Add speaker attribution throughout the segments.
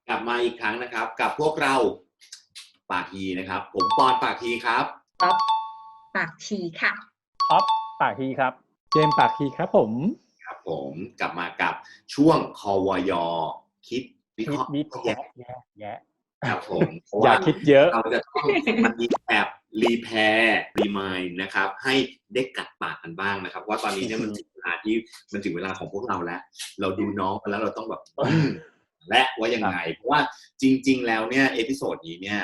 Speaker 1: กลับมาอีกครั้งนะครับกับพวกเราปากทีนะครับผมปอนปากทีครับ
Speaker 2: ป๊อปปากทีค่ะ
Speaker 3: ท็อปปากทีครับ
Speaker 4: เจมปากทีครับผม
Speaker 1: กลับมากับช่วงควยคิดวิเคราะห์
Speaker 3: แย่
Speaker 1: ครับผม
Speaker 4: อย่าคิดเยอะ
Speaker 1: เราจะต้องมันมีแบบรีแพร์รีมายด์นะครับให้ได้กัดปากกันบ้างนะครับว่าตอนนี้เนี่ยมันถึงเวลาของพวกเราแล้วเราดูน้องกันแล้วเราต้องแบบและว่ายังไงเพราะว่าจริงๆแล้วเนี่ยเอพิโซดนี้เนี่ย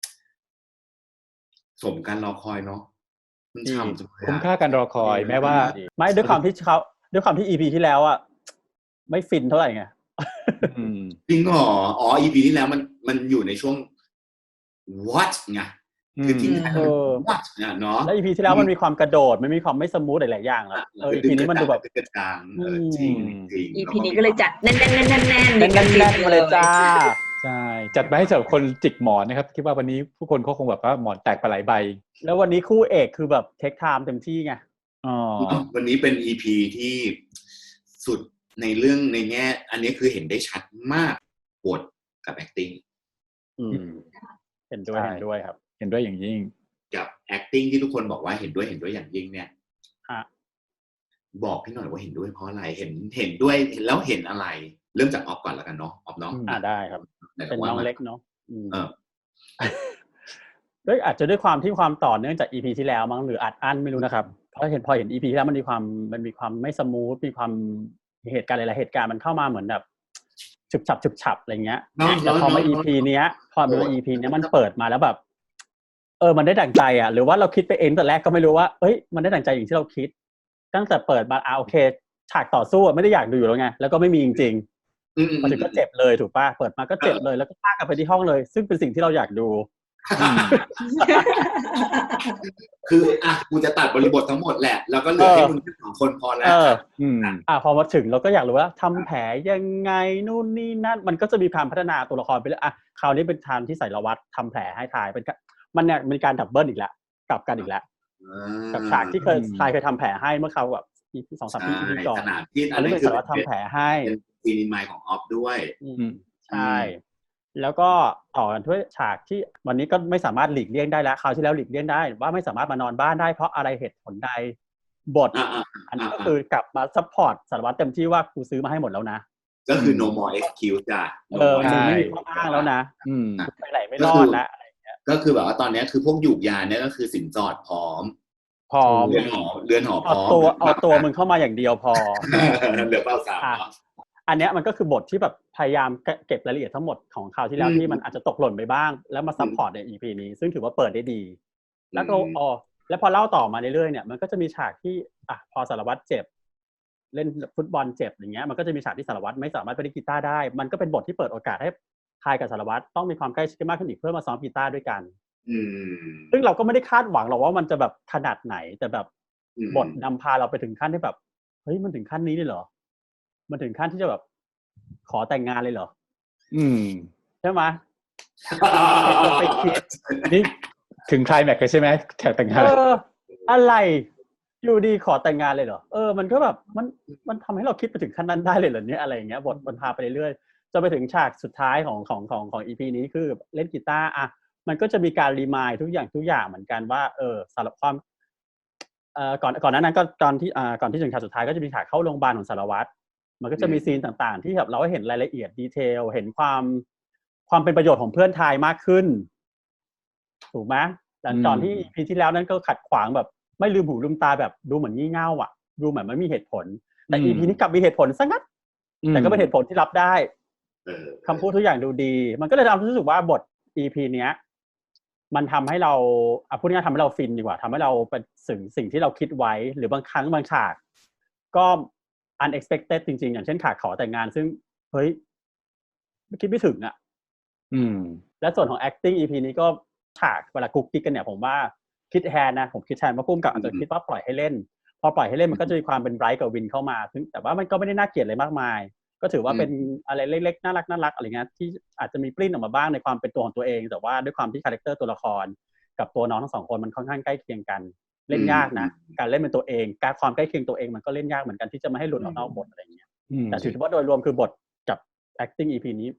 Speaker 1: สมกันรอคอยเนาะมันช่ำ
Speaker 4: คุ้มค่าการรอคอยแม้ว่า
Speaker 3: ไม่ด้วยความที่ EP ที่แล้วอ่ะไม่ฟินเท่าไหร่ไง
Speaker 1: จริงเหรออ๋อ EP ที่แล้วมันอยู่ในช่วง what ไงคือทิ้งท้ายwhat เนาะ
Speaker 3: แล้ว EP ที่แล้วมันมีความกระโดดมันมีความไม่สมูทหลายๆอย่างแล้วEP นี้มันดูแบบ
Speaker 1: กลางจริง
Speaker 2: EP นี้ก็เลยจัดแน่น
Speaker 3: มาเลยจ้า
Speaker 4: ใช่จัดมาให้สำหรับคนจิกหมอนนะครับคิดว่าวันนี้ผู้คนเขาคงแบบว่าหมอนแตกไปหลายใบ
Speaker 3: แล้ววันนี้คู่เอกคือแบบเทคไทม์เต็มที่ไง
Speaker 1: วันนี้เป็น EP ที่สุดในเรื่องในแง่อันนี้คือเห็นได้ชัดมากบทกับ acting
Speaker 3: เห็นด้วยครับ
Speaker 4: เห็นด้วยอย่างยิ่ง
Speaker 1: กับ acting ที่ทุกคนบอกว่าเห็นด้วยอย่างยิ่งเนี่ยบอกพี่หน่อยว่าเห็นด้วยเพราะอะไรเห็นด้วยแล้วเห็นอะไรเริ่มจากออฟก่อนแล้วกันเนาะออฟเนาะ
Speaker 3: ได้ครับเป็นน้องเล็กเนาะด้วยอาจจะด้วยความที่ความต่อเนื่องจาก EP ที่แล้วมั้งหรืออัดอั้นไม่รู้นะครับเพราะพอเห็น EP ที่แล้วมันมีความไม่สมูทมีความเหตุการณ์หลายๆเหตุการณ์มันเข้ามาเหมือนแบบฉุบฉับอะไรเงี้ยแต่พอมา EP เนี้ยพอมา EP เนี้ยมันเปิดมาแล้วแบบมันได้ดั่งใจอ่ะหรือว่าเราคิดไปเองแต่แรกก็ไม่รู้ว่ามันได้ดั่งใจอย่างที่เราคิดตั้งแต่เปิดมาโอเคฉากต่อสู้ไม่ได้อยากดูอยู่แล้วไงแล้วก็ไม่มีจริงๆมาถึงก็เจ็บเลยถูกป่ะเปิดมาก็เจ็บเลยแล้วก็พากลับไปที่ห้องเลยซึ่งเป็นสิ่งที่เราอยากดู
Speaker 1: คือกูจะตัดบริบททั้งหมดแหละแล้วก็เหลือให้มึงแค่2 คนพอแล้ว
Speaker 3: พอมาถึงเราก็อยากรู้ว่าทำแผลยังไงนู่นนี่นั่นมันก็จะมีการพัฒนาตัวละครไปเรื่อยคราวนี้เป็นทางที่ใส่ละวัดทำแผลให้ทายเป็นมันเนี่ยมีการดับเบิลอีกแล้วกลับกันอีกแล้วกับฉากที่ทายเคยทำแผลให้เมื่อเขาแบบ2-3 ปีก่อนอันนี้เป็นสารวัตรทำแผลให้
Speaker 1: เป็นซีนิมายของออฟด้วย
Speaker 3: ใช่แล้วก็ต่อกันด้วยฉากที่วันนี้ก็ไม่สามารถหลีกเลี่ยงได้แล้วคราวที่แล้วหลีกเลี่ยงได้ว่าไม่สามารถมานอนบ้านได้เพราะอะไรเหตุผลใดบทอันนี้ก็คือกลับมาซัพพอร์ตสารวัตรเต็มที่ว่ากูซื้อมาให้หมดแล้วนะ
Speaker 1: ก็คือ no more excuse จ้ะ
Speaker 3: ไม่มีข้ออ้างแล้วนะไปไหนไม่รอดแล้วอะไรอย่างเงี้ย
Speaker 1: ก็คือแบบว่าตอนนี้คือพวกหยูกยาเนี่ยก็คือสินสอดพร้อมเรือนหอพร้อม
Speaker 3: เอาตัวมึงเข้ามาอย่างเดียวพอ
Speaker 1: เหลือเป้าสาม
Speaker 3: อันเนี้ยมันก็คือบทที่แบบพยายามเก็บรายละเอียดทั้งหมดของคราวที่แล้วที่มันอาจจะตกหล่นไปบ้างแล้วมาซัพพอร์ตใน EP นี้ซึ่งถือว่าเปิดได้ดีแล้วก็แล้วพอเล่าต่อมาเรื่อยๆเนี่ยมันก็จะมีฉากที่พอสารวัตรเจ็บเล่นฟุตบอลเจ็บอย่างเงี้ยมันก็จะมีฉากที่สารวัตรไม่สามารถไปเล่นกีตาร์ได้มันก็เป็นบทที่เปิดโอกาสให้ทายกับสารวัตรต้องมีความใกล้ชิดมากขึ้นอีกเพื่อมาซ้อมกีตาร์ด้วยกันซึ่งเราก็ไม่ได้คาดหวังหรอกว่ามันจะแบบขนาดไหนแต่แบบบทนำพาเราไปถึงขั้นที่แบบเฮ้ยมันถึงขั้นนี้เลยเหรอมันถึงขั้นที่จะแบบขอแต่งงานเลยเหรอใช่ไหม
Speaker 4: ไปคิดนี่ถึงไคลแม็กซ์ใช่ไหมแถวแต่งงาน
Speaker 3: อะไรอยู่ดีขอแต่งงานเลยเหรอมันก็แบบมันทำให้เราคิดไปถึงขั้นนั้นได้เลยเหรอเนี่ยอะไรอย่างเงี้ยบทมันพาไปเรื่อยๆจะไปถึงฉากสุดท้ายของ EP นี้คือเล่นกีตาร์มันก็จะมีการรีมายด์ทุกอย่างเหมือนกันว่าสารความก่อนนั้นก็ก่อนที่ถึงฉากสุดท้ายก็จะมีฉากเข้าโรงพยาบาลของสารวัตรมันก็จะมีซีนต่างๆที่แบบเราเห็นรายละเอียดดีเทลเห็นความเป็นประโยชน์ของเพื่อนทายมากขึ้นถูกไหมหลังจากที่ EP ที่แล้วนั้นก็ขัดขวางแบบไม่ลืมหูลืมตาแบบดูเหมือนงี่เง่าดูเหมือนไม่มีเหตุผลแต่ EP นี้กลับมีเหตุผลซะงั้นแต่ก็เป็นเหตุผลที่รับได้คำพูดทุกอย่างดูดีมันก็เลยทำให้รู้สึกว่าบท EP เนี้ยมันทำให้เราพูดง่ายๆทำให้เราฟินดีกว่าทำให้เราเป็นสิ่งที่เราคิดไว้หรือบางครั้งบางฉากก็unexpected จริงๆอย่างเช่นฉากขอแต่งงานซึ่งเฮ้ยไม่คิดไม่ถึงและส่วนของ acting EP นี้ก็ฉากเวลากุ๊กกิ๊กกันเนี่ยผมว่าคิดแทนนะผมคิดแทนว่าพุ่มกับอาจจะคิดว่าปล่อยให้เล่นพอปล่อยให้เล่นมันก็จะมีความเป็นไบรท์กับวินเข้ามาแต่ว่ามันก็ไม่ได้น่าเกลียดอะไรมากมายก็ถือว่าเป็นอะไรเล็กๆน่ารักอะไรเงี้ยที่อาจจะมีปลิ้นออกมาบ้างในความเป็นตัวของตัวเองแต่ว่าด้วยความที่คาแรคเตอร์ตัวละครกับตัวน้องทั้ง2คนมันค่อนข้างใกล้เคียงกันเล่นยากนะการเล่นเป็นตัวเองการความใกล้เคียงตัวเองมันก็เล่นยากเหมือนกันที่จะไม่ให้หลุดออกนอกบทอะไรเงี้ยแต่ถือว่าโดยรวมคือบทกับ acting EP นี้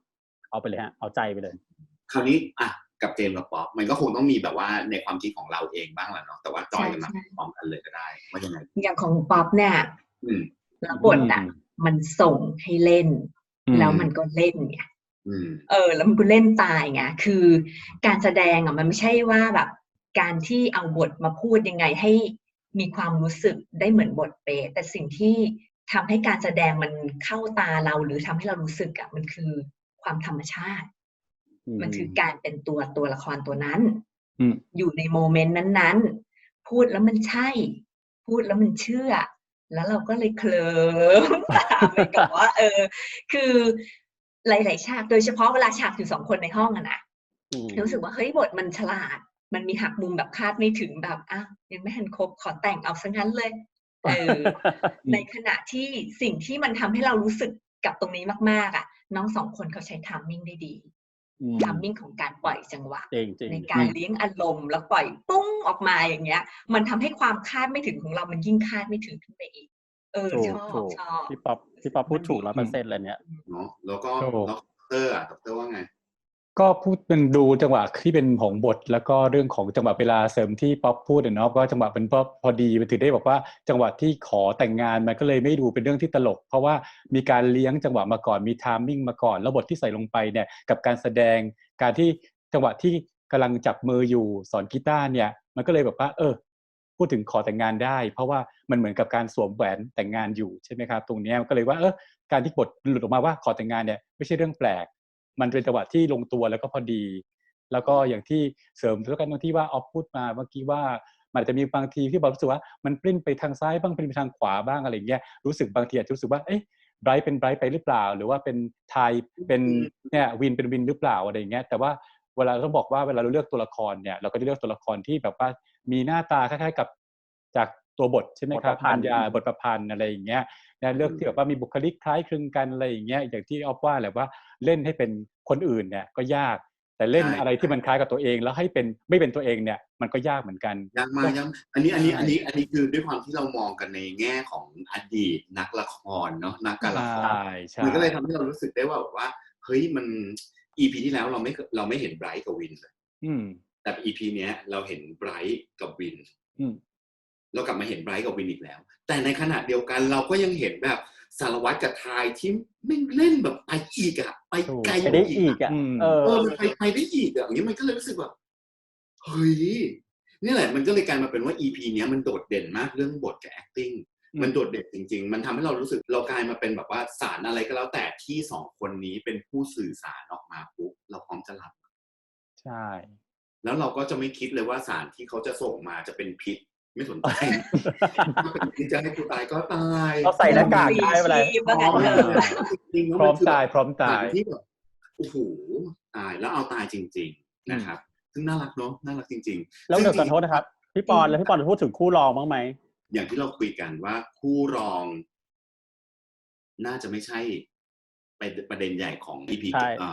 Speaker 3: เอาไปเลยฮะเอาใจไปเลย
Speaker 1: คราวนี้อ่ะกับเจมส์กับป๊อปมันก็คงต้องมีแบบว่าในความคิดของเราเองบ้างแหละเนาะแต่ว่าจอยกันมาพร้อมกันเลยก็ได้ว่ายังไง
Speaker 2: อย่างของป๊อปเนี่ย
Speaker 1: อืม
Speaker 2: แล้วบทอ่ะมันส่งให้เล่น แล้วมันก็เล่นไง แล้วมันก็เล่นตายไงคือการแสดงอ่ะมันไม่ใช่ว่าแบบการที่เอาบทมาพูดยังไงให้มีความรู้สึกได้เหมือนบทเป๊ะแต่สิ่งที่ทำให้การแสดงมันเข้าตาเราหรือทำให้เรารู้สึกอ่ะมันคือความธรรมชาติมันคือการเป็นตัวละครตัวนั้นอยู่ในโมเมนต์นั้นๆพูดแล้วมันใช่พูดแล้วมันเชื่อแล้วเราก็เลยเคลิ้มตามไปกับว่าคือหลายๆฉากโดยเฉพาะเวลาฉากอยู่2 คนในห้องอะนะรู้สึกว่าเฮ้ยบทมันฉลาดมันมีหักมุมแบบคาดไม่ถึงแบบยังไม่ทันครบขอแต่งเอาซะงั้นเลยในขณะที่สิ่งที่มันทำให้เรารู้สึกกับตรงนี้มากๆอ่ะน้อง2 คนเขาใช้ไทมิ่งได้ดีไทมิ่งของการปล่อยจังหวะในการเลี้ยงอารมณ์แล้วปล่อยปุ้งออกมาอย่างเงี้ยมันทำให้ความคาดไม่ถึงของเรามันยิ่งคาดไม่ถึงขึ้นไปอีกชอบ
Speaker 3: พี่ป๊อปพูดถูก100%เลยเนี่ย
Speaker 1: เนาะแล้วก็ด็อกเตอร์ว่าไง
Speaker 4: ก็พูดเป็นดูจังหวะที่เป็นของบทแล้วก็เรื่องของจังหวะเวลาเสริมที่ป๊อปพูดเนาะว่าจังหวะเป็นพอดีมันถือได้บอกว่าจังหวะที่ขอแต่งงานมันก็เลยไม่ดูเป็นเรื่องที่ตลกเพราะว่ามีการเลี้ยงจังหวะมาก่อนมีไทมิ่งมาก่อนแล้วบทที่ใส่ลงไปเนี่ยกับการแสดงการที่จังหวะที่กำลังจับมืออยู่สอนกีตาร์เนี่ยมันก็เลยแบบว่าพูดถึงขอแต่งงานได้เพราะว่ามันเหมือนกับการสวมแหวนแต่งงานอยู่ใช่ไหมครับตรงนี้ก็เลยว่าการที่บทหลุดออกมาว่าขอแต่งงานเนี่ยไม่ใช่เรื่องแปลกมันเป็นจังหวะที่ลงตัวแล้วก็พอดีแล้วก็อย่างที่เสริมแล้วกันตรงที่ว่าออฟพูดมาเมื่อกี้ว่ามันจะมีบางทีที่บอกรู้สึกว่ามันปลิ้นไปทางซ้ายบ้างปลิ้นไปทางขวาบ้างอะไรอย่างเงี้ยรู้สึกบางทีอาจจะรู้สึกว่าไบรท์เป็นไบรท์ไปหรือเปล่าหรือว่าเป็นไทยเป็นเนี่ยวินเป็นวินหรือเปล่าอะไรอย่างเงี้ยแต่ว่าเวลาต้องบอกว่าเวลาเราเลือกตัวละครเนี่ยเราก็จะเลือกตัวละครที่แบบว่ามีหน้าตาคล้ายๆกับจากตัวบทใช่ไหมครับบรรยายบทประพันธ์อะไรอย่างเงี้ยเลือกที่แบบว่ามีบุคลิกคล้ายคลึงกันอะไรอย่างเงี้ยอย่างที่ออฟว่าแหละว่าเล่นให้เป็นคนอื่นเนี่ยก็ยากแต่เล่นอะไรที่มันคล้ายกับตัวเองแล้วให้เป็นไม่เป็นตัวเองเนี่ยมันก็ยากเหมือนกัน
Speaker 1: ยากมากอันนี้คือด้วยความที่เรามองกันในแง่ของอดีตนักละครเนาะนักการละครมันก็เลยทำให้เรารู้สึกได้ว่าเฮ้ยมัน EP ที่แล้วเราไม่เห็นไบรท์กับวินเลยแต่ EP เนี้ยเราเห็นไบรท์กับวินเรากลับมาเห็นไบรท์กับวินอีกแล้วแต่ในขณะเดียวกันเราก็ยังเห็นแบบสารวัตรกับทายที่ไม่เล่นแบบไปอีกอะไปไกล
Speaker 3: ได้อีกอะ
Speaker 1: มันไปได้อีกอะอย่างนี้มันก็เลยรู้สึกแบบเฮ้ยนี่แหละมันก็เลยกลายมาเป็นว่า EP เนี้ยมันโดดเด่นมากเรื่องบทกับ acting มันโดดเด่นจริงๆมันทำให้เรารู้สึกเรากลายมาเป็นแบบว่าสารอะไรก็แล้วแต่ที่2 คนนี้เป็นผู้สื่อสารออกมาปุ๊บเราพร้อมจะรับ
Speaker 3: ใช่
Speaker 1: แล้วเราก็จะไม่คิดเลยว่าสารที่เขาจะส่งมาจะเป็นพิษไม่สนใจถ้าเป็นพิษจะให้กูตายก็ตาย
Speaker 3: เราใส่หน้ากากได้อะไร
Speaker 4: พร้อมตาย
Speaker 1: ที่แบบโอ้โหตายแล้วเอาตายจริงๆนะครับซึ่งน่ารักเนาะน่ารักจริง
Speaker 3: ๆแล้วเดี๋ยวขอโทษนะครับพี่ปอนแล้วพี่ปอนจะพูดถึงคู่รองบ้างไหม
Speaker 1: อย่างที่เราคุยกันว่าคู่รองน่าจะไม่ใช่ประเด็นใหญ่ของ EP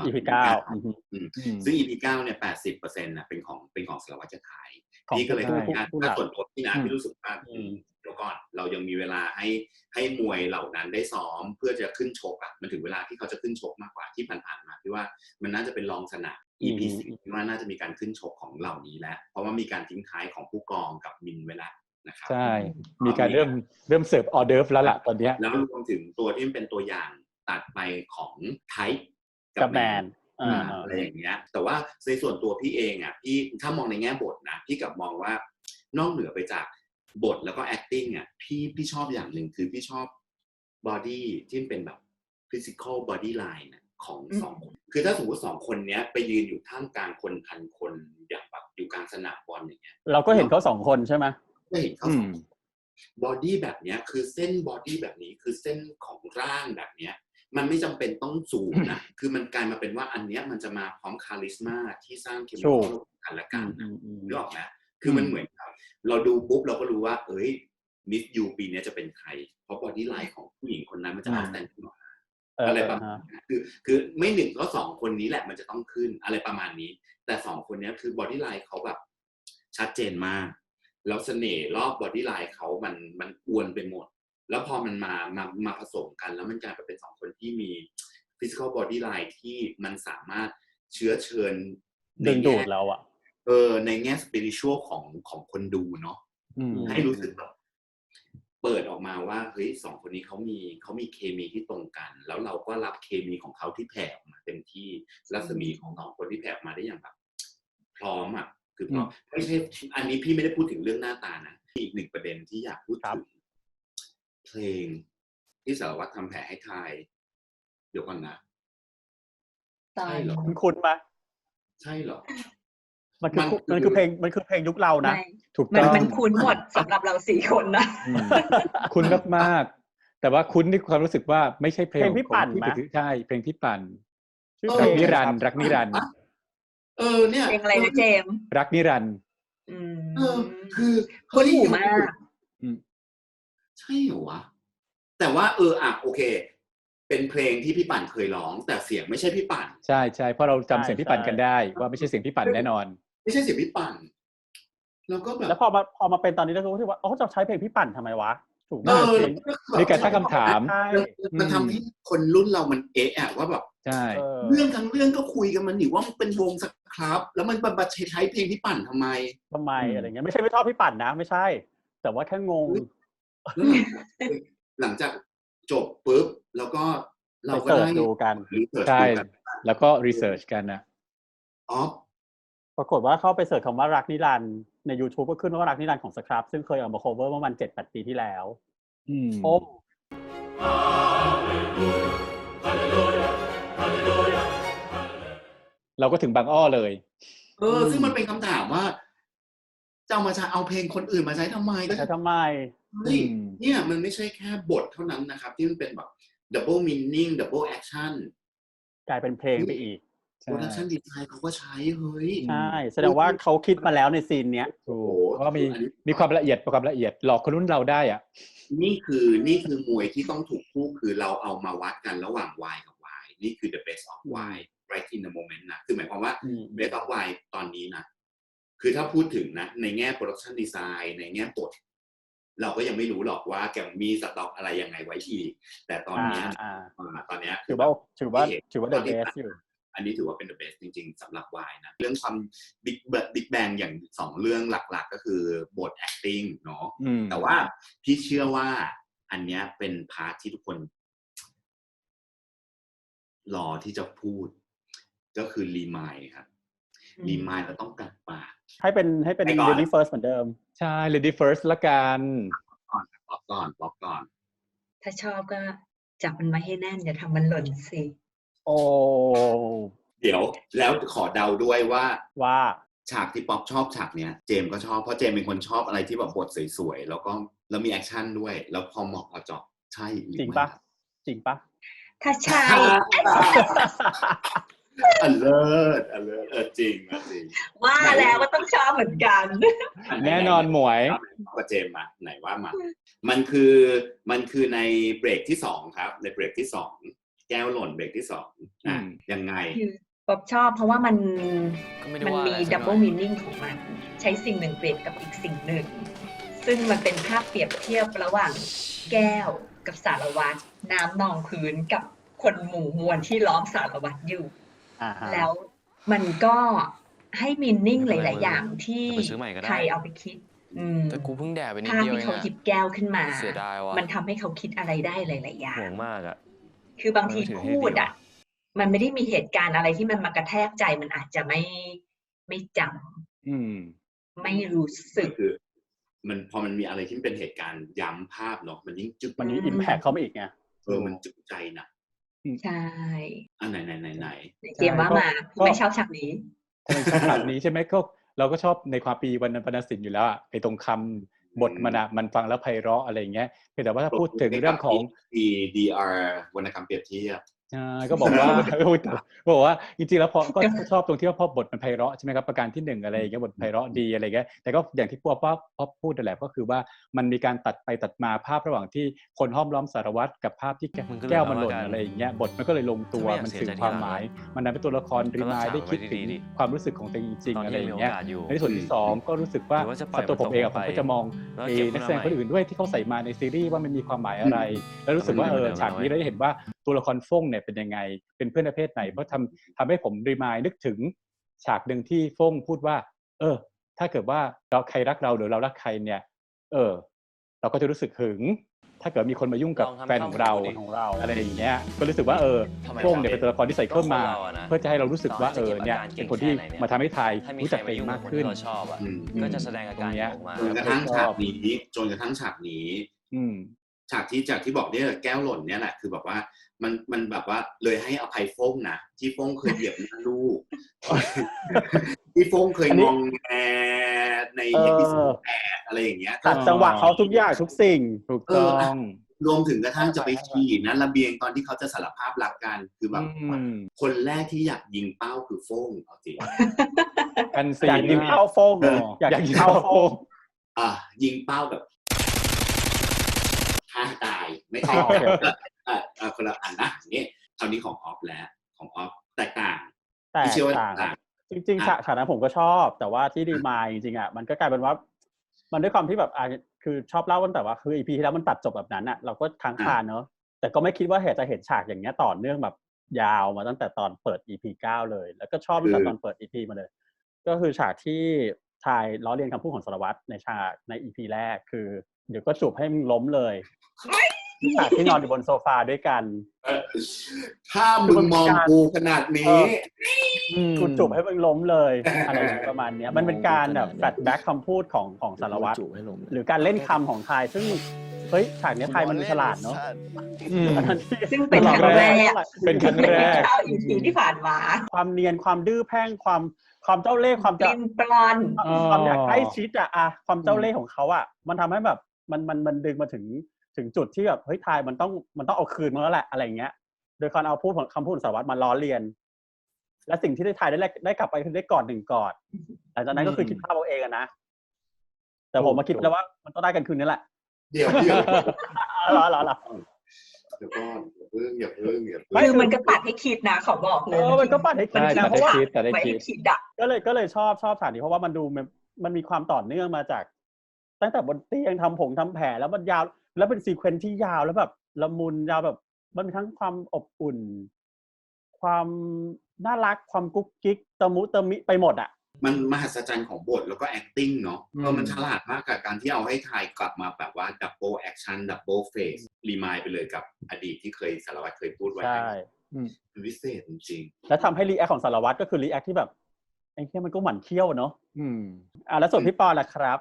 Speaker 1: 9ซึ่ง EP 9เนี่ย 80% น่ะเป็นของสารวัตรไทยพี่ก็เลยทำงานถ้าส่วนตัวพี่นะพี่รู้สึกว่าเดี๋ยวก่อนเรายังมีเวลาให้มวยเหล่านั้นได้ซ้อมเพื่อจะขึ้นชกอ่ะมันถึงเวลาที่เขาจะขึ้นชกมากกว่าที่ผ่านๆมาพี่ว่ามันน่าจะเป็นรองสนาม EP 10พี่ว่าน่าจะมีการขึ้นชกของเหล่านี้แล้วเพราะว่ามีการทิ้งท้ายของผู้กองกับมินไว้แล้วนะครับ
Speaker 4: ใช่มีการเริ่มเสิร์ฟออเดิร์ฟแล้วล่ะตอนนี้
Speaker 1: แล้วรวมถึงตัวที่เป็นตัวอย่างตัดไปของไทป์
Speaker 3: กับแมน
Speaker 1: อะไรอย่างเงี้ยแต่ว่าในส่วนตัวพี่เองอ่ะพี่ถ้ามองในแง่บทนะพี่กับมองว่านอกเหนือไปจากบทแล้วก็ acting อ่ะพี่ชอบอย่างหนึ่งคือพี่ชอบบอดี้ที่เป็นแบบ physical body line ของ2 คนคือถ้าสมมติ2 คนเนี้ยไปยืนอยู่ท่ามกลางคนพันคนอย่างแบบอยู่กลางสนามบอลอย่างเงี้ย
Speaker 3: เราก็เห็นเขา2 คนใช่ไหม
Speaker 1: ก็เห็นเขา2 บอดี้แบบเนี้ยคือเส้นบอดี้แบบนี้คือเส้นของร่างแบบเนี้ยมันไม่จำเป็นต้องสูงนะคือมันกลายมาเป็นว่าอันเนี้ยมันจะมาพร้อมคาริสมาที่สร้างเคมีคอลกันและกันนึกออกไหมคือมันเหมือนเราดูปุ๊บเราก็รู้ว่ามิสยูปีนี้จะเป็นใครเพราะบอดี้ไลน์ของผู้หญิงคนนั้นมันจะเอาแต่งขึ้นมาอะไรประมาณนี้คือไม่1ก็2 คนนี้แหละมันจะต้องขึ้นอะไรประมาณนี้แต่2 คนนี้คือบอดี้ไลน์เขาแบบชัดเจนมากแล้วเสน่ห์รอบบอดี้ไลน์เขามันอวนไปหมดแล้วพอมันมาผสมกันแล้วมันกลายเป็น2 คนที่มี physical body line ที่มันสามารถเชื้อเชิญ
Speaker 3: ดึงดูดเราอะ
Speaker 1: ในแง่ spiritual ของคนดูเนาะให้รู้สึกแบบเปิดออกมาว่าเฮ้ย2คนนี้เขามีเคมีที่ตรงกันแล้วเราก็รับเคมีของเขาที่แผ่ออกมาเต็มที่รัศมีของ2คนที่แผ่ออกมาได้อย่างแบบพร้อมอ่ะคือพร้อมไม่ใช่อันนี้พี่ไม่ได้พูดถึงเรื่องหน้าตานะอีกหนึ่งประเด็นที่อยากพูดถึงเพลงที่สารวัตรทำแผลให้ทายเดี๋ยวก่อนนะใช่เหรอ
Speaker 3: คุ้นไหม
Speaker 1: ใช่เหรอ
Speaker 3: มันคือเพลงยุคเรานะ
Speaker 2: ถูกต้องมันคุ้นหมดสำหรับเรา4คนนะ
Speaker 4: คุ้นมากๆแต่ว่าคุ้นในความรู้สึกว่าไม่ใช่เพลง
Speaker 3: พี่ปั่นมั้ย
Speaker 4: ใช่เพลงพี่ปั่นรักนิรันดร์
Speaker 2: เนี่ยเพลงอะไรนะเจมส์
Speaker 4: รักนิรันดร์
Speaker 1: คือ
Speaker 2: คุ้นหูมาก
Speaker 1: ใช่เหรอวะแต่ว่าโอเคเป็นเพลงที่พี่ปั่นเคยร้องแต่เสียงไม่ใช่พี่ปั่น
Speaker 4: ใช่ๆเพราะเราจำเสียงพี่ปั่นกันได้ว่าไม่ใช่เสียงพี่ปั่นแน่นอน
Speaker 1: ไม่ใช่เสียงพี่ปั่นแล้วก็แบบ
Speaker 3: แล้วพอมาเป็นตอนนี้เราก็รู้สึกว่าจะใช้เพลงพี่ปั่นทำไมวะถูกไหม
Speaker 4: มีการตั้งคำถาม
Speaker 1: มันทำให้คนรุ่นเรามันว่าแบบ
Speaker 4: ใช่
Speaker 1: เรื่องทั้งเรื่องก็คุยกันมันอยู่ว่ามันเป็นวงสักครับแล้วมันบัดใช้เพลงพี่ปั่นทำไม
Speaker 3: อะไรเงี้ยไม่ใช่ไม่ชอบพี่ปั่นนะไม่ใช่แต่ว่าแค่งง
Speaker 1: หลังจากจบปุ๊บแล้วก็เราก็ได้
Speaker 3: ดูกัน
Speaker 4: ใช่แล้วก็รีเสิร์ชกันนะ
Speaker 3: ปรากฏว่าเข้าไปเสิร์ชคำว่ารักนิรันดร์ใน YouTube ก็ขึ้นว่ารักนิรันดร์ของสครับซึ่งเคยเอามา cover เมื่อวัน 7-8 ปีที่แล้ว
Speaker 4: เราก็ถึงบางอ้อเลย
Speaker 1: ซึ่งมันเป็นคำถามว่าจะเอาเพลงคนอื่นมาใช้ทำไมเนี่ยมันไม่ใช่แค่บทเท่านั้นนะครับที่มันเป็นแบบ double meaning double action
Speaker 3: กลายเป็นเพลงไปอีก
Speaker 1: production design เขาก็ใช้เฮ้ย
Speaker 3: ใช่แสดงว่าเขาคิดมาแล้วในซีนเนี้ย
Speaker 4: ก็มีความละเอียดหลอกคนรุ่นเราได้อ่ะ
Speaker 1: นี่คือมวยที่ต้องถูกคู่คือเราเอามาวัดกันระหว่าง Y กับ Y นี่คือ the best of Y right in the moment นะคือหมายความว่า best of Y ตอนนี้นะคือถ้าพูดถึงนะในแง่ production design ในแง่บทเราก็ยังไม่รู้หรอกว่าแกมีสต็อกอะไรยังไงไว้อีกแต่ตอนนี้
Speaker 3: ถือว่า the best อยู่
Speaker 1: อันนี้ถือว่าเป็น the best จริงๆสำหรับ Y นะเรื่องความ big bang อย่าง2เรื่องหลักๆก็คือบท acting เนาะแต่ว่าพี่เชื่อว่าอันนี้เป็นพาร์ทที่ทุกคนรอที่จะพูดก็คือรีมายครับรีมายเราต้องกัดปาก
Speaker 3: ให้เป็น Lady First เหมือนเดิม
Speaker 4: ใช่ Lady First ละกัน
Speaker 1: ป๊อปก่อน
Speaker 2: ถ้าชอบก็จับมันมาให้แน่นอย่าทำมันหล่นสิ
Speaker 3: โอ้
Speaker 1: เดี๋ยวแล้วขอเดาด้วยว่าฉากที่ป๊อปชอบฉากเนี้ยเจมก็ชอบเพราะเจมเป็นคนชอบอะไรที่แบบบทสวยๆแล้วมีแอคชั่นด้วยแล้วพอเหมาะพอเจาะใช่
Speaker 3: จริงปะ
Speaker 2: ถ้าใช่
Speaker 1: เลิศจริง
Speaker 2: ว่าแล้วว่าต้องชอบเหมือนกัน
Speaker 4: แน่นอนหมวย
Speaker 1: ก็เจมมาไหนว่ามามันคือในเบรกที่2ครับในเบรกที่2แก้วหล่นเบรกที่2ยังไง
Speaker 2: ป๊อบชอบเพราะว่ามันมีดับเบิลมีนิ่งของมันใช้สิ่งหนึ่งเปรียบกับอีกสิ่งหนึ่งซึ่งมันเป็นภาพเปรียบเทียบระหว่างแก้วกับสารวัตรน้ำนองพื้นกับคนหมู่มวลที่ล้อมสารวัตรอยู่แล้วมันก็ให้มีนิ่งหลายๆอย่างที่ใครเอาไปคิด
Speaker 5: แต่กูเพิ่งแดดไปนิดเดียวเอง
Speaker 2: ภาพที่เขาหยิบแก้วขึ้นมามันทำให้เขาคิดอะไรได้หลายๆอย่าง
Speaker 5: ห่วงมากอ่ะ
Speaker 2: คือบางทีพูดอ่ะมันไม่ได้มีเหตุการณ์อะไรที่มันมากระแทกใจมันอาจจะไม่จำไม่รู้สึก
Speaker 1: มันพอมันมีอะไรที่เป็นเหตุการณ์ย้ำภาพเนาะมันยิ่งจึก
Speaker 3: มันยิ่งอิมแพคเข้ามาอีกไง
Speaker 1: มันจึกใจนะ
Speaker 2: ใช่
Speaker 1: อันไหน
Speaker 2: เตรียมว่ามาไม่ชอบฉากนี้
Speaker 4: ฉากนี้ใช่ไหมก็เราก็ชอบในความปีวรรณศิลป์อยู่แล้วอ่ะไอ้ตรงคำบทมันฟังแล้วไพเราะอะไรอย่างเงี้ยแต่ว่าถ้าพูดถึงเรื่องของ
Speaker 1: DR วรรณกรรมเปรียบเทียบ
Speaker 4: ก็บอกว่าจริงๆแล้วพอก็ชอบตรงที่ว่าพอบทมันไพเราะใช่ไหมครับประการที่1อะไรอย่างเงี้ยบทไพเราะดีอะไรเงี้ยแต่ก็อย่างที่พอพูดนั่นแหละก็คือว่ามันมีการตัดไปตัดมาภาพระหว่างที่คนห้อมล้อมสารวัตรกับภาพที่แก้วมันหล่นอะไรอย่างเงี้ยบทมันก็เลยลงตัวมันสื่อความหมายมันนำเป็นตัวละครรีมายได้คิดถึงความรู้สึกของตัวเองจริงๆอะไรอย่างเงี้ยในส่วนที่2ก็รู้สึกว่าตัวผมเองผมก็จะมองนักแสดงคนอื่นด้วยที่เขาใส่มาในซีรีส์ว่ามันมีความหมายอะไรแล้วรู้สึกว่าฉากนี้เราได้เห็นว่าตัวละครฟงเนี่ยเป็นยังไงเป็นเพื่อนประเภทไหนเพราะทำให้ผมรีมายนึกถึงฉากหนึ่งที่ฟงพูดว่าถ้าเกิดว่าเราใครรักเราหรือเรารักใครเนี่ยเราก็จะรู้สึกหึงถ้าเกิดมีคนมายุ่งกับแฟนของเราอะไรอย่างเงี้ยก็รู้สึกว่าฟงเนี่ยเป็นตัวละครที่ใส่เข้ามาเพื่อจะให้เรารู้สึกว่าเนี่ยเป็นคนที่มาทำให้ไทยรู้จักตัวเองมากขึ้น
Speaker 5: ก็จะแสดงอาการออกมา
Speaker 1: จนกระทั่งฉากนี้ฉากที่บอกเนี่ยแก้วหล่นเนี่ยแหละคือแบบว่ามันแบบว่าเลยให้อภัยฟงนะที่ฟงเคยเหยียบหน้าลูกที่ฟงเคยงงแงในเอพิโซด8อะไรอย่างเงี้ย
Speaker 3: ตัดจังหวะเขาทุกอย่างทุกสิ่ง
Speaker 4: ถูกต้อง
Speaker 1: รวมถึงกระทั่งจะไปฉี่นะระเบียงตอนที่เขาจะสารภาพรักกันคือแบบคนแรกที่อยากยิงเป้าคือฟงเอาจริง
Speaker 3: อยากยิงเป้าฟงอยากยิงเป้าฟง
Speaker 1: ยิงเป้าแบบฆ่าตายไม่ใช่คนละอันนะนี่คราวนี้ของออฟแล้วของออฟแตกต่าง
Speaker 3: จริงๆฉากนั้นผมก็ชอบแต่ว่าที่ดีมายจริงๆมันก็กลายเป็นว่ามันด้วยความที่แบบคือชอบเล่ากันแต่ว่าคือ EP ที่แล้วมันตัดจบแบบนั้นเราก็ค้างคาเนอะแต่ก็ไม่คิดว่าจะเห็นฉากอย่างเงี้ยต่อเนื่องแบบยาวมาตั้งแต่ตอนเปิด EP 9เลยแล้วก็ชอบตั้งแต่ตอนเปิด EP มาเลยก็คือฉากที่ทายล้อเลียนคำพูดของสารวัตรในฉากใน EP แรกคือเดี๋ยวก็จูบให้มึงล้มเลยฉากที่นอนอยู่บนโซฟาด้วยกัน
Speaker 1: ถ้ามึงมองกูขนาดนี้
Speaker 3: กูจูบให้มึงล้มเลยอะไรประมาณนี้มันเป็นการแบบแฟลชแบ็คคำพูดของสารวัตรหรือการเล่นคำของไทยซึ่งเฮ้ยฉากนี้ไทยมันฉลาดเนาะ
Speaker 2: ซึ่งเป็นครั้งแรก
Speaker 3: EP
Speaker 2: ที่ผ่านมา
Speaker 3: ความเนียนความดื้อแพ่งความเจ้าเล่ห์ความ
Speaker 2: จะปลอน
Speaker 3: ความอยากใกล้ชิดความเจ้าเล่ห์ของเขามันทำให้แบบมันดึงมาถึงจุดที่แบบเฮ้ยไทยมันต้องเอาคืนมาแล้วแหละอะไรเงี้ยโดยการเอาคำพูดสารวัตรมาล้อเลียนและสิ่งที่ไทยได้กลับไปคือได้กอด1 กอดหลังจากนั้นก็คือคิดภาพเอาเองนะแต่ผมมาคิดแล้วว่ามันต้องได้กันคืนนี้แหละ
Speaker 1: เดี๋ยว
Speaker 3: รอ
Speaker 1: เดี๋ยวก่อนอย่าเพิ่ง
Speaker 2: คือมันก็ปัดให้คิดนะขอบอกเลย
Speaker 3: มันก็ปัดให้คิดนะเพราะว่า
Speaker 4: ไม่
Speaker 3: ให้คิดก็เลยชอบฉากนี้เพราะว่ามันดูมันมีความต่อเนื่องมาจากตั้งแต่บนเตียงทำแผลแล้วมันยาวแล้วเป็นซีเควนซ์ที่ยาวแล้วแบบละมุนยาวแบบมันมีทั้งความอบอุ่นความน่ารักความกุ๊กกิ๊กตะมุตะมิไปหมด
Speaker 1: มันมหัศจรรย์ของบทแล้วก็ acting เนาะมันฉลาดมากกับการที่เอาให้ไทยกลับมาแบบว่า double action double face รีมายไปเลยกับอดีตที่เคยสารวัตรเคยพูดไว้
Speaker 3: ใช่
Speaker 1: วิเศษจริง
Speaker 3: ๆแล้วทำให้รีแอคของสารวัตรก็คือรีแอคที่แบบไอ้แค่มันก็หมั่นเขี้ยวเนาะแล้วส่วนพี่ปอล่ะครับ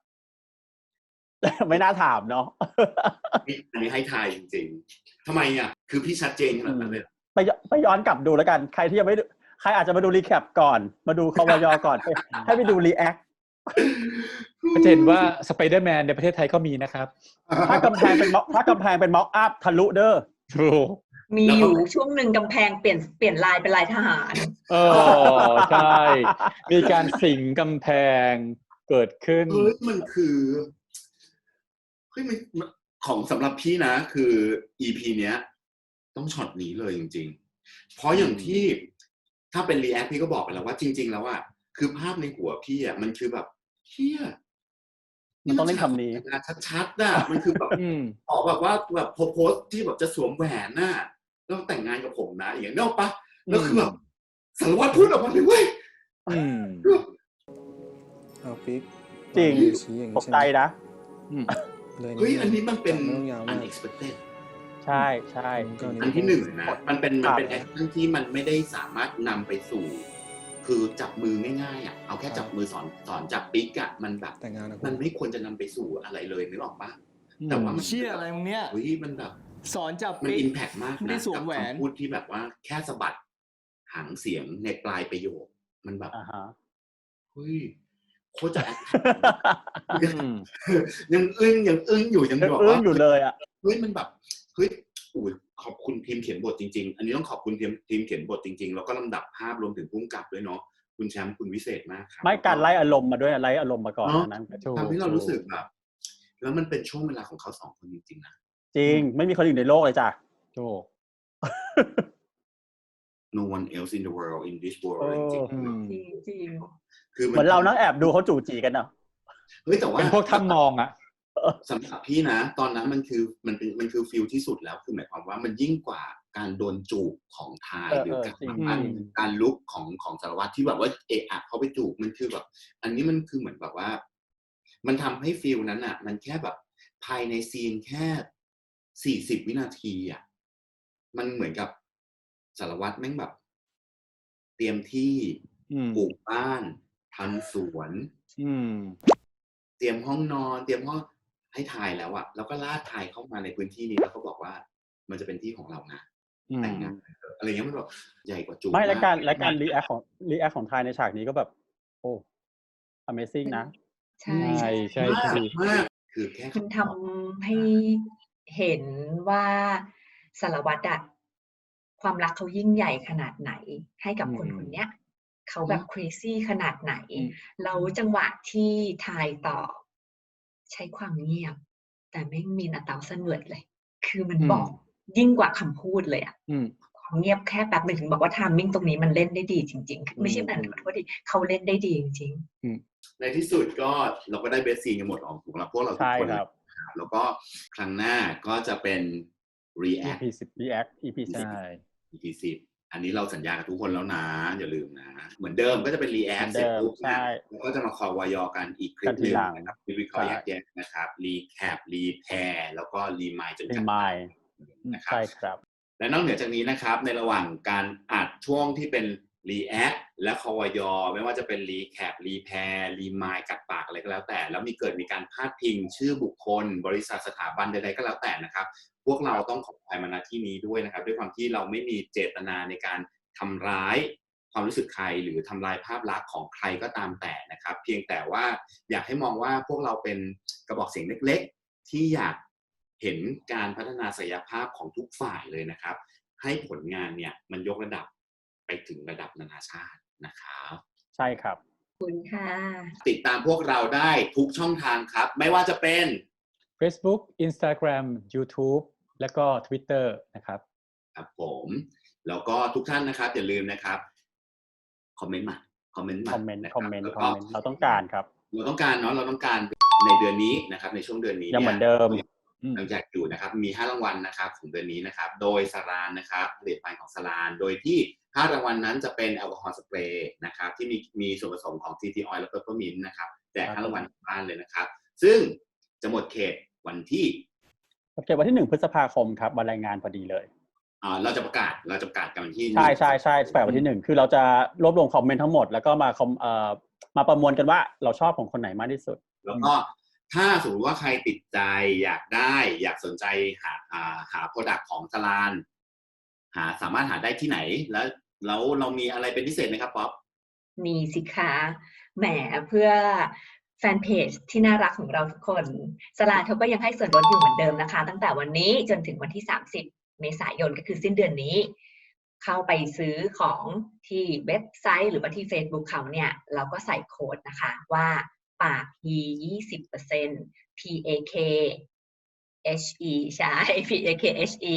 Speaker 3: ไม่น่าถามเนาะ
Speaker 1: อันนี้ให้ทายจริงๆทำไมคือพี่ชัดเจนขนาดนั้นเลย
Speaker 3: ไปย้อนกลับดูแล้วกันใครที่ยังไม่ใครอาจจะมาดูรีแคปก่อนมาดูควย.ก่อนให้ไปดูรีแอค
Speaker 4: จะเห็นว่าสไปเดอร์แมนในประเทศไทยก็มีนะครับ
Speaker 3: ถ้ากำแพงเป็นม็อกอัพทะลุเด้อ
Speaker 2: มีอยู่ช่วงหนึ่งกำแพงเปลี่ยนลายเป็นลายทหาร
Speaker 4: ใช่มีการสิงกำแพงเกิดขึ้น
Speaker 1: มันคือของสำหรับพี่นะคือ EP เนี้ยต้องช็อตนี้เลยจริงๆเพราะอย่างที่ถ้าเป็นรีแอคพี่ก็บอกไปแล้วว่าจริงๆแล้วคือภาพในหัวพี่มันคือแบบเฮีย
Speaker 3: มันต้องเล่นคำนี้
Speaker 1: ชัดๆมันคือแบบออกแบบว่าแบบโพสที่แบบจะสวมแหวนแล้วแต่งงานกับผมนะอย่างนี้ปะแล้วคือแบบสารวัตรพูดออกมาเลยเว้ย
Speaker 6: เอาปิ๊ก
Speaker 3: จริงตกใจนะ
Speaker 1: เฮ้ยอันนี้มันเป็น unexpected
Speaker 3: ใช่
Speaker 1: อันที่1นะมันเป็นแอคชั่นที่มันไม่ได้สามารถนำไปสู่คือจับมือง่ายๆเอาแค่จับมือสอนจับปิ๊กมันแบบมันไม่ควรจะนำไปสู่อะไรเลยนึกออกปะแต่ว่ามัน
Speaker 6: เชี่ยอะไรมึงเนี่ย
Speaker 1: เฮ้ยมันแบบ
Speaker 6: สอนจับ
Speaker 1: มันอิมแพคมากนะกับคำพูดที่แบบว่าแค่สะบัดหางเสียงในปลายประโยคมันแบบเฮ้ยโคตรจะยังอึ้งอยู่ยังบอกว่า
Speaker 3: อยู่เลย
Speaker 1: เฮ้ยมันแบบเฮ้ยขอบคุณทีมเขียนบทจริงๆอันนี้ต้องขอบคุณทีมเขียนบทจริงๆแล้วก็ลำดับภาพรวมถึงผู้กำกับด้วยเนาะคุณแชมป์คุณวิเศษมากครับ
Speaker 3: ไม่การไล่อารมณ์มาด้วยไล่อารมณ์มาก่อนนั้น
Speaker 1: ทำให้เรารู้สึกแบบแล้วมันเป็นช่วงเวลาของเขา2คนจริงๆนะ
Speaker 3: จริงไม่มีคนอื่นในโลกเลยจ้ะ
Speaker 4: โอ้
Speaker 1: no one else in the world in this world จริง
Speaker 3: คือเหมือนเรานั่งแอบดูเขาจู่จีกันเนาะ
Speaker 1: เฮ้ยแต่ว่า
Speaker 4: เป็นพวกท่านมอง
Speaker 1: สำหรับพี่นะตอนนั้นมันคือฟีลที่สุดแล้วคือหมายความว่ามันยิ่งกว่าการโดนจูบของทายหรือการลุกของสารวัตรที่แบบว่าเอะอะเขาไปจูบมันคือแบบอันนี้มันคือเหมือนแบบว่ามันทำให้ฟีลนั้นอ่ะมันแค่แบบภายในซีนแค่40วินาทีอ่ะมันเหมือนกับสารวัตรแม่งแบบเตรียมที่ปลูกบ้านทำสวนเตรียมห้องนอนเตรียมห้องให้ทายแล้วอ่ะแล้วก็ลากทายเข้ามาในพื้นที่นี้แล้วก็บอกว่ามันจะเป็นที่ของเรานะแต่งงานอะไรเงี้ยมันแบบใหญ่กว่าจูบ
Speaker 3: ไม่และการรีแอคของไทยในฉากนี้ก็แบบโอ้ Amazing นะ
Speaker 2: ใช่
Speaker 1: มากคือแค่
Speaker 2: มันทำให้เห็นว่าสารวัตรอะความรักเขายิ่งใหญ่ขนาดไหนให้กับคนคนนี้เขาแบบ crazy ขนาดไหนแล้วจังหวะที่ทายต่อใช้ความเงียบแต่ไม่มีอัตราเสนอเลยคือมันบอกยิ่งกว่าคำพูดเลยอะความเงียบแค่แป๊บนึงถึงบอกว่าไทมิ่งตรงนี้มันเล่นได้ดีจริงๆไม่ใช่แบบขอโทษดิเขาเล่นได้ดีจริง
Speaker 1: ๆในที่สุดก็เราก็ได้เบสซีนกันหมดออกถูกแล้วพวกเราทุกคนแล้วก็ครั้งหน้าก็จะเป็น react
Speaker 3: EP
Speaker 1: 10อันนี้เราสัญญากับทุกคนแล้วนะอย่าลืมนะเหมือนเดิมก็จะเป็น react เสร็จปุ๊บนะแล้วก็จะมาคอวอยอกันอีกคลิปนึงนะครับวิเคราะห์แยกๆนะครับ recap repair แล้วก็ remind จนกันนะครับใช่ครับและนอกเหนือจากนี้นะครับในระหว่างการอัดช่วงที่เป็น react และคอวอยอไม่ว่าจะเป็น recap repair remind กัดปากอะไรก็แล้วแต่แล้วมีการพาดพิงชื่อบุคคลบริษัทสถาบันใดๆก็แล้วแต่นะครับพวกเราต้องขออภัยมาณที่นี้ด้วยนะครับด้วยความที่เราไม่มีเจตนาในการทำร้ายความรู้สึกใครหรือทำลายภาพลักษณ์ของใครก็ตามแต่นะครับเพียงแต่ว่าอยากให้มองว่าพวกเราเป็นกระบอกเสียงเล็กๆที่อยากเห็นการพัฒนาศักยภาพของทุกฝ่ายเลยนะครับให้ผลงานเนี่ยมันยกระดับไปถึงระดับนานาชาตินะครับ
Speaker 3: ใช่ครับ
Speaker 2: ขอบคุณค่ะ
Speaker 1: ติดตามพวกเราได้ทุกช่องทางครับไม่ว่าจะเป็น
Speaker 4: Facebook Instagram YouTube แล้วก็ Twitter นะครับ
Speaker 1: ครับผมแล้วก็ทุกท่านนะครับอย่าลืมนะครับคอมเมนต์มา
Speaker 3: เราต้องการครับ
Speaker 1: เราต้องการในเดือนนี้นะครับในช่วงเดือนนี้
Speaker 3: ยังเหมือนเดิม
Speaker 1: ยังแจกอยู่นะครับมี5รางวัลนะครับของเดือนนี้นะครับโดยสารานนะครับผลิตภัณฑ์ของสารานโดยที่5รางวัลนั้นจะเป็นแอลกอฮอล์สเปรย์นะครับที่มีส่วนผสมของ TT Oil และเปปเปอร์มินต์นะครับแจก5รางวัลบ้านเลยนะครับซึ่งจะหมดเขตวันที่
Speaker 3: 1 พฤษภาคมครับวันรายงานพอดีเลย
Speaker 1: เราจะประกาศกันวันที่
Speaker 3: ใช่แปดวันที่1คือเราจะรวบรวมคอมเมนต์ทั้งหมดแล้วก็มาประมวลกันว่าเราชอบของคนไหนมากที่สุด
Speaker 1: แล้วก็ถ้าสมมติว่าใครติดใจอยากสนใจหา product ของสลานสามารถหาได้ที่ไหนแล้วเรามีอะไรเป็นพิเศษไหมครับป๊อป
Speaker 2: มีสิคะแหมเพื่อแฟนเพจที่น่ารักของเราทุกคนสลานเขาก็ยังให้ส่วนลดอยู่เหมือนเดิมนะคะตั้งแต่วันนี้จนถึงวันที่30 เมษายนก็คือสิ้นเดือนนี้เข้าไปซื้อของที่เว็บไซต์หรือว่าที่ Facebook เขาเนี่ยเราก็ใส่โค้ดนะคะว่าปาก 20% PAKHE ใช่ PAKHE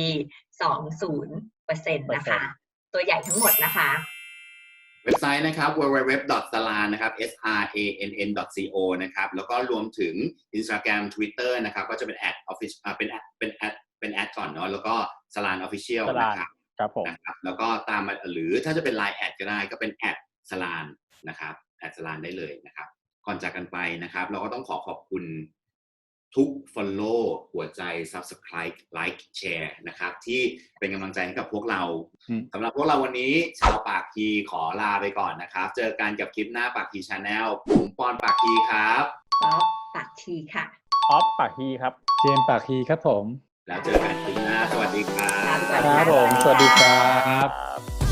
Speaker 2: 20% นะคะตัวใหญ่ทั้งหมดนะคะ
Speaker 1: เว็บไซต์นะครับ www.salan นะครับ sarann.co นะครับแล้วก็รวมถึง Instagram Twitter นะครับก็จะเป็นเป็นแอดก่อนเนาะแล้วก็ Salan Official
Speaker 3: นะครับผม
Speaker 1: นะครับแล้วก็ตามมาหรือถ้าจะเป็น Line แอดก็ได้ก็เป็น@salanนะครับ@salanได้เลยนะครับก่อนจากกันไปนะครับเราก็ต้องขอบคุณทุก follow หัวใจ subscribe like share นะครับที่เป็นกำลังใจให้กับพวกเราสำหรับพวกเราวันนี้ชาวปากทีขอลาไปก่อนนะครับเจอกันกับคลิปหน้าปากที Channel ผมปอนปากทีครับ
Speaker 2: ป๊อปปากทีค่ะ
Speaker 3: ออฟปากทีครับ
Speaker 4: เจมปากทีครับผม
Speaker 1: แล้วเจอกันคลิปหน้าสวัสดีครับ
Speaker 3: ครับผมสวัสดีครับ